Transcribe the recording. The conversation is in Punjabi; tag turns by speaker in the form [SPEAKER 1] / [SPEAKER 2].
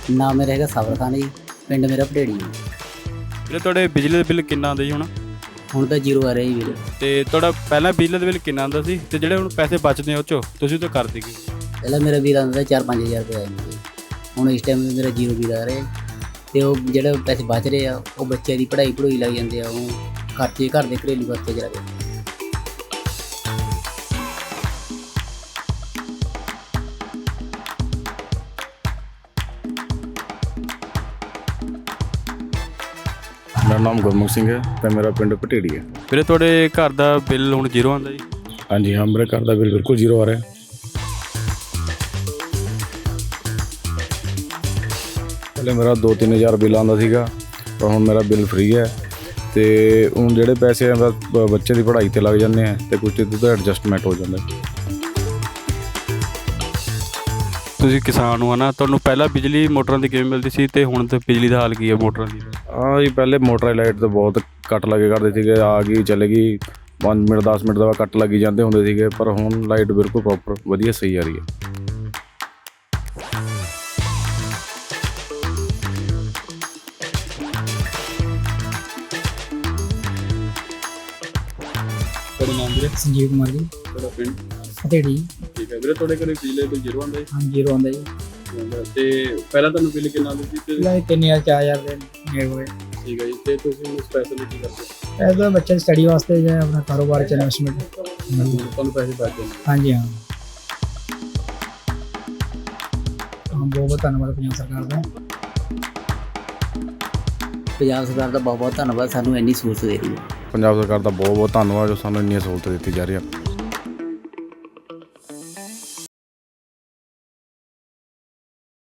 [SPEAKER 1] ਨਾਮ ਮੇਰਾ ਹੈਗਾ ਸਬਰ ਖਾਨ ਜੀ, ਪਿੰਡ ਮੇਰਾ ਭਟੇੜੀ ਜੀ।
[SPEAKER 2] ਵੀਰੇ ਤੁਹਾਡੇ ਬਿਜਲੀ ਦਾ ਬਿੱਲ ਕਿੰਨਾ ਆਉਂਦਾ ਜੀ
[SPEAKER 1] ਹੁਣ ਤਾਂ ਜ਼ੀਰੋ ਆ ਰਿਹਾ ਜੀ ਵੀਰੇ।
[SPEAKER 2] ਤੇ ਤੁਹਾਡਾ ਪਹਿਲਾਂ ਬਿਜਲੀ ਦਾ ਬਿੱਲ ਕਿੰਨਾ ਆਉਂਦਾ ਸੀ ਤੇ ਜਿਹੜੇ ਹੁਣ ਪੈਸੇ ਬਚਦੇ ਉਹ 'ਚੋਂ ਤੁਸੀਂ ਤਾਂ ਕਰ ਦੇਗੇ?
[SPEAKER 1] ਪਹਿਲਾਂ ਮੇਰਾ ਬਿੱਲ ਆਉਂਦਾ 4-5 ਹਜ਼ਾਰ ਰੁਪਏ ਆਇਆ ਜੀ। ਹੁਣ ਇਸ ਟਾਈਮ ਮੇਰਾ ਜ਼ੀਰੋ ਬਿੱਲ ਆ ਰਿਹਾ ਤੇ ਉਹ ਜਿਹੜੇ ਪੈਸੇ ਬਚ ਰਹੇ ਆ ਉਹ ਬੱਚਿਆਂ ਦੀ ਪੜ੍ਹਾਈ ਲੱਗ ਜਾਂਦੇ ਆ, ਉਹ ਖਰਚੇ ਘਰ ਦੇ ਘਰੇਲੂ ਖਰਚੇ 'ਚ ਲੱਗਦੇ।
[SPEAKER 3] ਮੇਰਾ ਨਾਮ ਗੁਰਮੁਖ ਸਿੰਘ ਹੈ ਤੇ ਮੇਰਾ ਪਿੰਡ ਭਟੇੜੀ ਹੈ।
[SPEAKER 2] ਵੀਰੇ ਤੁਹਾਡੇ ਘਰ ਦਾ ਬਿੱਲ ਹੁਣ ਜ਼ੀਰੋ ਆਉਂਦਾ ਜੀ?
[SPEAKER 3] ਹਾਂਜੀ ਹਾਂ, ਮੇਰੇ ਘਰ ਦਾ ਬਿੱਲ ਬਿਲਕੁਲ ਜ਼ੀਰੋ ਆ ਰਿਹਾ। ਪਹਿਲੇ ਮੇਰਾ 2-3 ਹਜ਼ਾਰ ਬਿੱਲ ਆਉਂਦਾ ਸੀਗਾ, ਪਰ ਹੁਣ ਮੇਰਾ ਬਿੱਲ ਫ੍ਰੀ ਹੈ ਤੇ ਹੁਣ ਜਿਹੜੇ ਪੈਸੇ ਆ ਬਸ ਬੱਚੇ ਦੀ ਪੜ੍ਹਾਈ 'ਤੇ ਲੱਗ ਜਾਂਦੇ ਆ ਤੇ ਕੁਝ ਉਹਦਾ ਐਡਜਸਟਮੈਂਟ ਹੋ ਜਾਂਦਾ।
[SPEAKER 2] ਤੁਸੀਂ ਕਿਸਾਨ ਹੋ ਨਾ, ਤੁਹਾਨੂੰ ਪਹਿਲਾਂ ਬਿਜਲੀ ਮੋਟਰਾਂ ਦੀ ਕਿਵੇਂ ਮਿਲਦੀ ਸੀ ਤੇ ਹੁਣ ਤਾਂ ਬਿਜਲੀ ਦਾ ਹਾਲ ਕੀ ਹੈ ਮੋਟਰਾਂ ਦੀ?
[SPEAKER 3] ਹਾਂ ਜੀ, ਪਹਿਲੇ ਮੋਟਰ ਲਾਈਟ ਤੋਂ ਬਹੁਤ ਕੱਟ ਲੱਗੇ ਕਰਦੇ ਸੀਗੇ, ਆ ਗਈ ਚਲੇ ਗਈ 5 ਮਿੰਟ 10 ਮਿੰਟ ਦਾ ਕੱਟ ਲੱਗੀ ਜਾਂਦੇ ਹੁੰਦੇ ਸੀਗੇ, ਪਰ ਹੁਣ ਲਾਈਟ ਬਿਲਕੁਲ ਪ੍ਰੋਪਰ ਵਧੀਆ ਸਹੀ ਆ ਰਹੀ ਹੈ।
[SPEAKER 2] ਤੁਹਾਡਾ ਨਾਮ ਵੀਰੇ?
[SPEAKER 4] ਸੰਜੀਵ ਕੁਮਾਰ ਜੀ,
[SPEAKER 2] ਤੁਹਾਡਾ ਪਿੰਡ?
[SPEAKER 4] ਭਟੇੜੀ।
[SPEAKER 2] ਠੀਕ ਹੈ ਵੀਰੇ, ਤੁਹਾਡੇ ਕੋਲ ਬਿਜਲੀ ਦਾ ਬਿੱਲ ਜ਼ੀਰੋ ਆਉਂਦਾ ਜੀ?
[SPEAKER 4] ਹਾਂ, ਜ਼ੀਰੋ ਆਉਂਦਾ ਜੀ।
[SPEAKER 2] ਤੇ ਪਹਿਲਾਂ ਤੁਹਾਨੂੰ ਬਿੱਲ ਕਿੰਨਾ ਆਉਂਦਾ ਸੀ ਤੇ?
[SPEAKER 4] ਪਹਿਲਾਂ 3000 4000 ਦੇ ਨੇੜੇ ਹੋਏ।
[SPEAKER 2] ਠੀਕ ਹੈ ਜੀ, ਤੇ ਤੁਸੀਂ ਹੁਣ ਉਸ ਪੈਸੇ ਨੂੰ ਕੀ ਕਰਦੇ?
[SPEAKER 4] ਇਹ ਤਾਂ ਬੱਚੇ ਦੀ ਸਟੱਡੀ ਵਾਸਤੇ ਜਾਂ ਆਪਣਾ ਕਾਰੋਬਾਰ 'ਚ ਇਨਵੈਸਟਮੈਂਟ।
[SPEAKER 2] ਤੁਹਾਨੂੰ ਪੈਸੇ ਬਚ ਜਾਂਦੇ?
[SPEAKER 4] ਹਾਂਜੀ ਹਾਂ, ਬਹੁਤ ਬਹੁਤ ਧੰਨਵਾਦ ਪੰਜਾਬ ਸਰਕਾਰ ਦਾ।
[SPEAKER 1] ਪੰਜਾਬ ਸਰਕਾਰ ਦਾ ਬਹੁਤ ਬਹੁਤ ਧੰਨਵਾਦ, ਸਾਨੂੰ ਇੰਨੀ ਸਹੂਲਤ ਦੇ ਰਹੀ ਹੈ।
[SPEAKER 3] ਪੰਜਾਬ ਸਰਕਾਰ ਦਾ ਬਹੁਤ ਬਹੁਤ ਧੰਨਵਾਦ ਜੋ ਸਾਨੂੰ ਇੰਨੀਆਂ ਸਹੂਲਤਾਂ ਦਿੱਤੀ ਜਾ ਰਹੀਆਂ।